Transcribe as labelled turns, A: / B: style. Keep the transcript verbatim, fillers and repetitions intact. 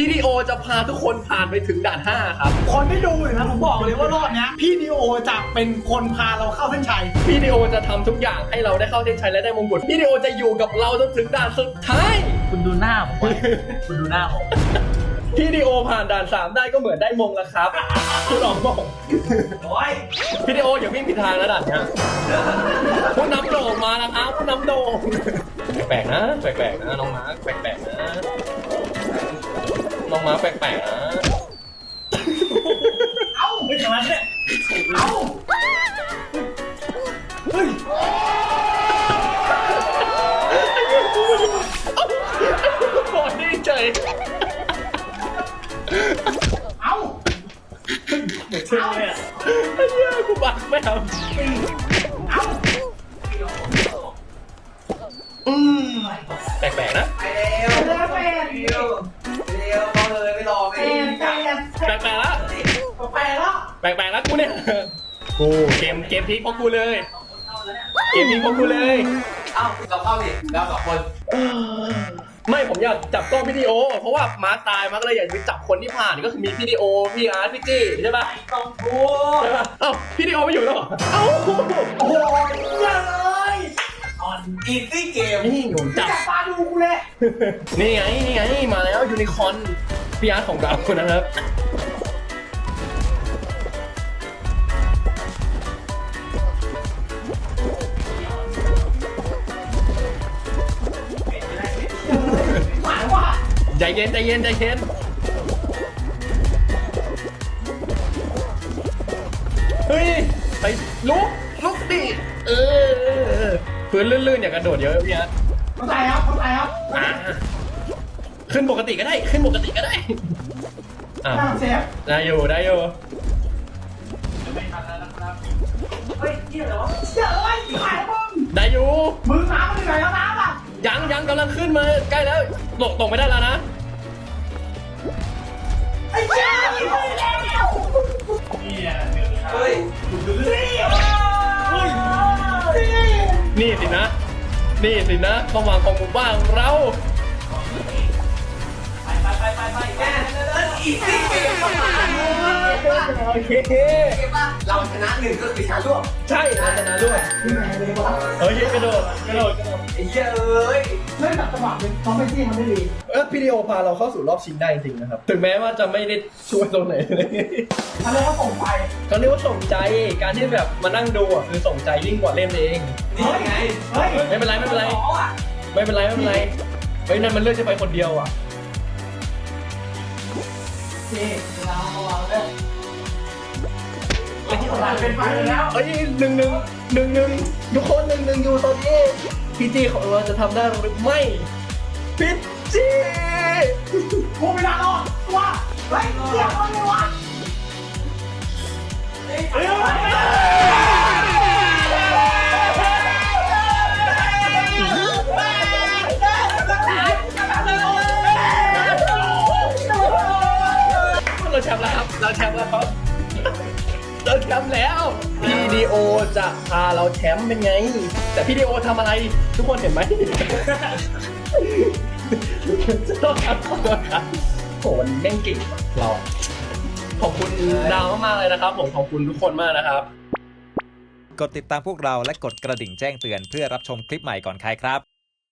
A: พี่ดีโอจะพาทุกคนผ่านไปถึงด่านห้าครับ
B: คนที่ดูอยู่นะผมบอกเลยว่ารอบเนี้ยพี่ดีโอจะเป็นคนพาเราเข้าเส้นชัย
A: พี่ดีโอจะทำทุกอย่างให้เราได้เข้าเส้นชัยและได้มงกุฎพี่ดีโอจะอยู่กับเราจนถึงด่านสุดท้าย
B: คุณดูหน้าผมไว้คุณดูหน้าผม
A: พี่ดีโอผ่านด่านสามได้ก็เหมือนได้มงแล้วครับคุณลองบอก
B: โอ้ย
A: พี่ดีโออย่าวิ่งผิดทางนะด่านเนี้ยผู้นำโด่งมาแล้วครับผู้นำโด่งแปลกๆนะแปลกๆนะน้องมาร์คแปลกๆนะน้องมาร์คแปลกๆนะ
B: เอ้าไม่ถึงแล้วเนี่ยเอ้าเฮ้ย
A: บอดดีใจ
B: เอ้าเดี๋ยวเชื่อเลยอ่ะ
A: ไอ้เหี้ยกูบักไม่ทำ
B: เอ้า
A: อืมแปลกๆนะ
C: ไปเร็ว
B: เร็วไป
C: เร็วเร็วเอาเลยไม่รอไม่
B: ไป
C: จับ
A: แปลกๆแล้ว
B: ไปแล้ว
A: แปลกๆแล้วกูเนี่ยกูเกมเกมพลิกเพราะกูเลย เกมพลิกเพราะกูเลย
C: เอ้าเราเข้าดิแล้วสองคน
A: ไม่ผมอยากจับกล้องวิดีโอ เพราะว่ามาร์คตายมาร์คเลยอยากไปจับคนที่ผ่านก็คือมีพี่ดีโอพี่อาร์ตพี่จี้ใช่ปะ
B: ต้องพู
A: ใช่ปะเอ้าพี่ดีโอไม่อยู่แล้วเหรอเอ้า
B: โอ้ยเลยอ่อน
C: อีซี่เกม
A: นี่ผมจับ
B: จับตาดูกูเลย
A: นี่ไงนี่ไงมาแล้วยูนิคอร์นพี่อาร์ตของเรานะครับ
B: หมายว่า
A: ใจเย็นใจเย็นใจเย็นเฮ้ยไปลุกลุกดิเออพื้นลื่นๆอย่ากระโดดเยอะพี่อาร์ต
B: เข้าใจครับเข้าใจครับ
A: อ่ะขึ้นปกติก็ได้ขึ้นปกติก็ได้อ่ะ
B: น่าเซฟ
A: ได้อยู่ได้อยู่
B: เฮ้ยเกี่ยวเหรอเกี่ยวเลยขายบ้าง
A: ได้อยู่
B: มือน้ำมันอยู่ไหนแล้วน้ำอ่ะ
A: ยังยังกำลังขึ้นมาใกล้แล้วตกตกไม่ได้แล้วนะ
B: ไอ้เจ้าไม่ได้แล้ว
C: เฮ้ย
B: เฮ้ย
A: นี่สินะ นี่สินะความหวังของหมู่บ้านของเรา
B: ไปไปไปไปไปแก
C: นั่นอีซี่เกมเข้ามา
A: โอเค
C: เกมว่าเราชนะหนึ่งก็คือชนะร่วม
A: ใช่เราชนะด้วย
B: ที่ไหนเลยวะ
A: เฮ้ยกระโดดกระโดดกระโดด
C: ไอ้เหี้ยเอ้ย
B: เล่นแบบจังหวะเป็นน้องไม่จี้มันได้ดี
A: เออพี่ดีโอพาเราเข้าสู่รอบชิงได้จริงนะครับถึงแม้ว่าจะไม่ได้ช่วยตรงไหนเลย
B: ทำเลยก็ส่งไป
A: เขาเรียกว่าส่งใจการที่แบบมานั่งดูอ่ะคือส่งใจยิ่งกว่าเล่นเอง
C: นี่ไง
B: เฮ้ย
A: ไม่เป็นไรไม่เป็นไร
C: อ๋ออ่ะ
A: ไม่เป็นไรไม่เป็นไรเฮ้ยนั่นมันเลือกจะไปคนเดียวอ่ะ
B: นี่เราเราเลยไอ้ที่ของเราเป็นไปแล้ว
A: เอ้ยหนึ่งหนึ่งหนึ่งหนึ่งทุกคนหนึ่งหนึ่งอยู่ตอนนี้พี่จีของเราจะทำได้หรือไม่พี่จี
B: กูไม่ได้รอดตัวเฮ้ยเกี่ยวกันเลยวะ
A: เอ้ยเราแชมป์แล้วครับเราแชมป์แล้วครับเราแชมป์แล้วพี่ดีโอจะพาเราแชมป์เป็นไง แต่พี่ดีโอทำอะไรทุกคนเห็นไหมต้องทำตัวครับโหวันนี้แม่งเก่งว่ะเราขอบคุณดาวมากๆเลยนะครับผมขอบคุณทุกคนมากนะครับ
D: กดติดตามพวกเราและกดกระดิ่งแจ้งเตือนเพื่อรับชมคลิปใหม่ก่อนใครครับ